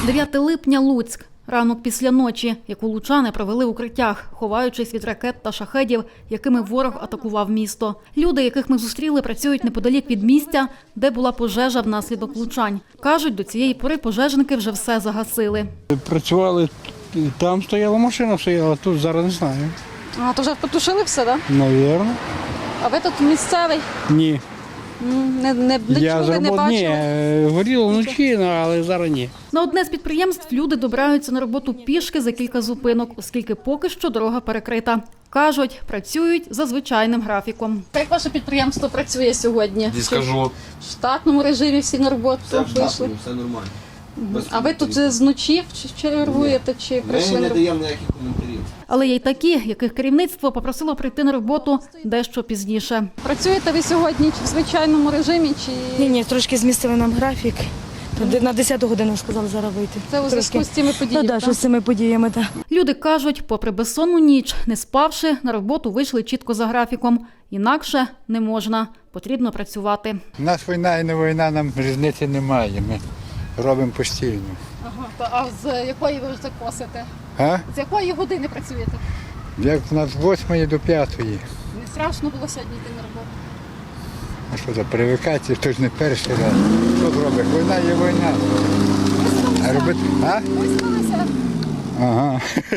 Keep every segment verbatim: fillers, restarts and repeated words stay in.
дев'яте липня, Луцьк. Ранок після ночі, яку лучани провели в укриттях, ховаючись від ракет та шахедів, якими ворог атакував місто. Люди, яких ми зустріли, працюють неподалік від місця, де була пожежа внаслідок влучань. Кажуть, до цієї пори пожежники вже все загасили. Працювали, там стояла машина, стояла, тут зараз не знаю. А, то вже потушили все, так? Навірно. А ви тут місцевий? Ні. Не, не, не Я чули, не заработ... бачили? Ні, горіло вночі, але зараз ні. На одне з підприємств люди добираються на роботу пішки за кілька зупинок, оскільки поки що дорога перекрита. Кажуть, працюють за звичайним графіком. Як ваше підприємство працює сьогодні? Не скажу. В штатному режимі всі на роботу Все в вийшли? штатному, все нормально. Без А ви тут коментарів. з ночі чи чергуєте, чи прийшли Ми на не роботу? даємо ніяких коментарів. Але є й такі, яких керівництво попросило прийти на роботу дещо пізніше. Працюєте ви сьогодні чи в звичайному режимі, чи Ні, ні, трошки змістили нам графік. То на десяту годину сказали зараз вийти. це у зв'язку з цими Ну, подіями? да, так? що з цими подіями, так. Люди кажуть, попри безсонну ніч, не спавши, на роботу вийшли чітко за графіком. Інакше не можна, потрібно працювати. У нас війна і не війна, нам різниці немає. Ми робимо постійно. Ага, то, а з якої ви вже косите? А? З якої години працюєте? Як у нас з восьмої до п'ятої. Не страшно було сьогодні йти на роботу? А що за привикація, то ж не перший раз. Що зробиш? Війна є війна. А робити? А? Виспалися? Ага.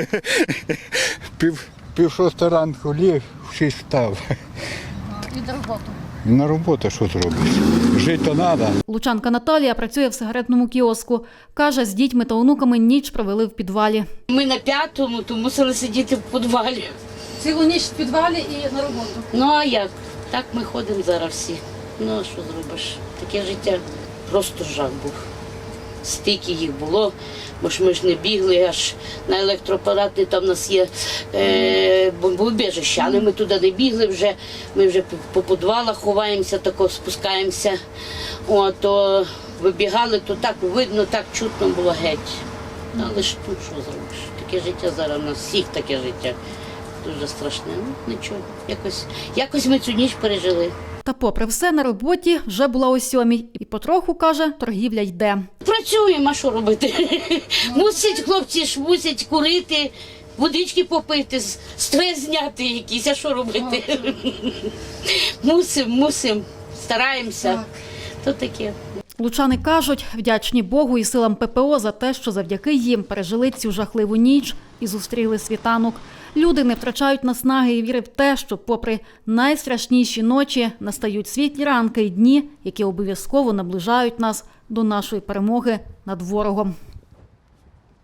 Пів, пів шоста ранку ліг, в шість встав. Від роботи. На роботу що зробиш? Жити то треба. Лучанка Наталія працює в сигаретному кіоску. Каже, з дітьми та онуками ніч провели в підвалі. Ми на п'ятому, то мусили сидіти в підвалі. Цілу ніч в підвалі і на роботу. Ну а як? Так ми ходимо зараз всі. Ну а що зробиш? Таке життя просто жах був. Стільки їх було, бо ж ми ж не бігли аж на електроапарати, там у нас є е, бомбоубіжище, але ми туди не бігли вже, ми вже по підвалах ховаємося, тако спускаємося. О, то вибігали, то так видно, так чутно було геть. Але ж тут що зробиш? Таке життя зараз у нас всіх таке життя. Дуже страшне. Ну нічого, якось, якось ми цю ніч пережили. Та попри все, на роботі вже була о сьомій. І потроху, каже, торгівля йде. Працюємо, а що робити? Мусять хлопці ж мусять курити, водички попити, стрес зняти якийсь, а що робити? Мусимо, мусимо, стараємося. То таке. Лучани кажуть, вдячні Богу і силам ППО за те, що завдяки їм пережили цю жахливу ніч і зустріли світанок. Люди не втрачають наснаги і віри в те, що попри найстрашніші ночі настають світлі ранки і дні, які обов'язково наближають нас до нашої перемоги над ворогом.